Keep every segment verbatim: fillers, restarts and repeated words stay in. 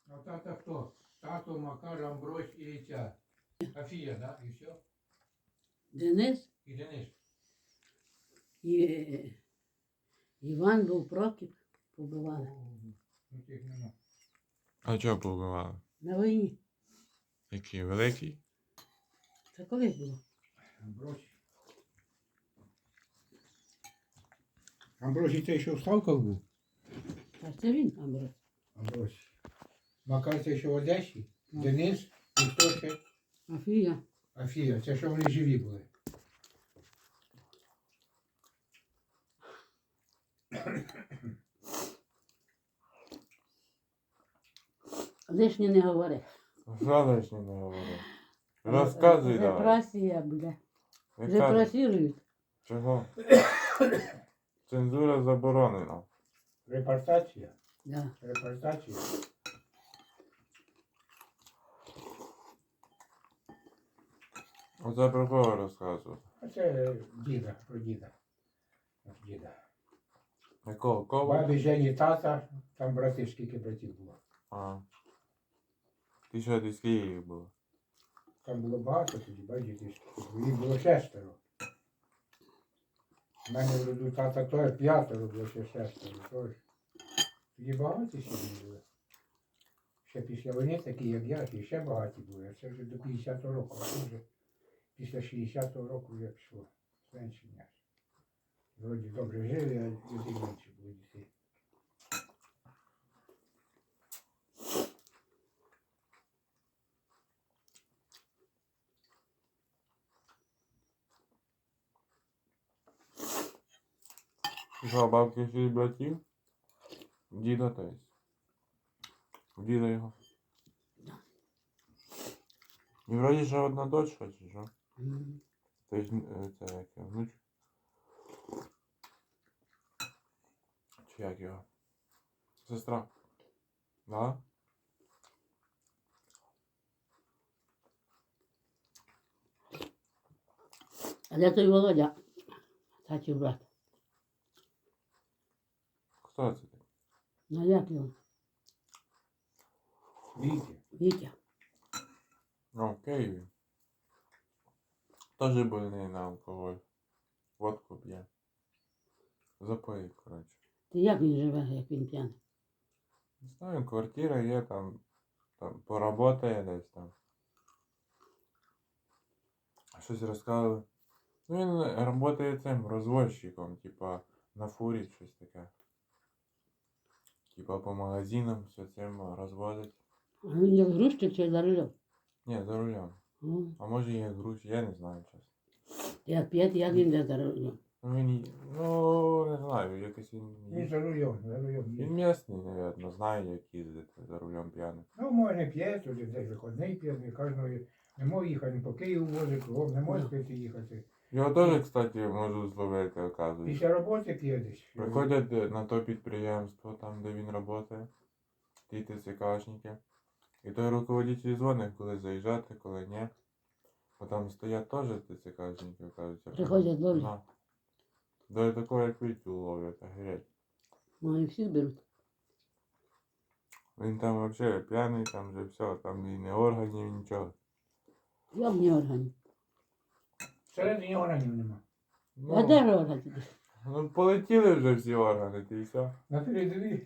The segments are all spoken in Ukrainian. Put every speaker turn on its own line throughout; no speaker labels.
А тата хто? Тато, Макар, Амбрось і ця. Афія, да? І все?
Денис
І Денис.
і е, Іван був Прокіп, побивали
Ну тих нема.
А чого побивали?
на війні.
Який великий?
Це колись було.
Амбрось. Амбросій цей, що в Ставках був?
Та це він, Амброс.
Амбросій. Макар цей, що в Одесі?
Ну.
Денис. І хто ще?
Афія.
Афія. Це що вони живі були.
Лишнє не говори.
Що лишнє не говори? Розказуй давай.
Репресія, бля.
Яка?
Репресірують.
Чого? Цензура заборонена.
Репортація.
Да.
Репортація.
Оце про кого розказувати?
А це діда, про діда. От діда.
Якого? Кого?
Бабі, Жені, тата, там брати, скільки братів було.
А. Ти що, десь в Києві був?
Там було багато тоді, бачите, скільки було. Їх було шестеро. У мене в роду тата теж п'ятеро було, ще шестеро. Тож. Тоді багаті сім'ї були. Ще після війни такі, як я, і ще багаті були. А це вже до п'ятдесятого року. А це вже після шістдесятого року вже пішло. Зменшення. Вроді добре жили, а люди менше було дітей.
Що, бабки шість братів? Діда теж. Діда його. І вроді ще одна дочка, чи що?
Мгм.
Тобто, е, це як його, внуч? Чи як його? Сестра. Да?
А де той Володя? Татів брат.
Хто це?
Ну як його?
Віті.
Вітя.
Ну, в Києві. Тоже больний на алкоголь. Водку п'є. Запоїть, коротше.
Ти як він живе, як він п'яний?
Не знаю, квартира є там, там поработає десь там. Щось розказували. Ну він працює цим розвозчиком, типа на фурі щось таке. Типа по магазинам все цим розвозить.
А він як грузчик чи за рулем?
Ні, за рулем.
О,
А може є груз, я не знаю чесно.
як п'ять, як він де за рулем?
Ну він, й- ну не знаю, якось він...
Він за рулем, за рулем.
Він місний, мабуть, знає, як їздити за рулем п'яним.
Ну, може п'є, туди десь виходний п'є, не кожного не може їхати по Києву возить, кругом не може пити їхати.
Його теж, кстати, можуть зловити, оказується.
Після роботи п'є десь.
Приходять е, на то підприємство, там, де він працює, ті ТЦКшники. І той руководитель дзвонить, коли заїжджати, коли ні. Бо там стоять теж ТЦКшники, оказується.
Приходять ловлять?
Да. До такого, як Вітю ловлять, огереть.
Ну і всіх беруть.
Він там взагалі п'яний, там вже все, там і не органів, нічого.
Як не органів?
Всередині органів нема.
А де ж органи?
Ну, полетіли вже всі органи, ти і все.
На передовій.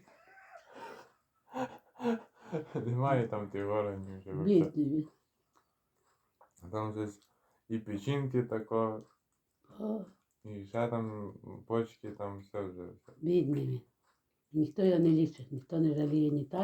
Немає там тих органів вже. вообще.
Бідний він.
Там щось і печінки тако,
О,
і ще там почки, там все вже. все.
бідний він. Ніхто його не лічить, ніхто не жаліє ні та,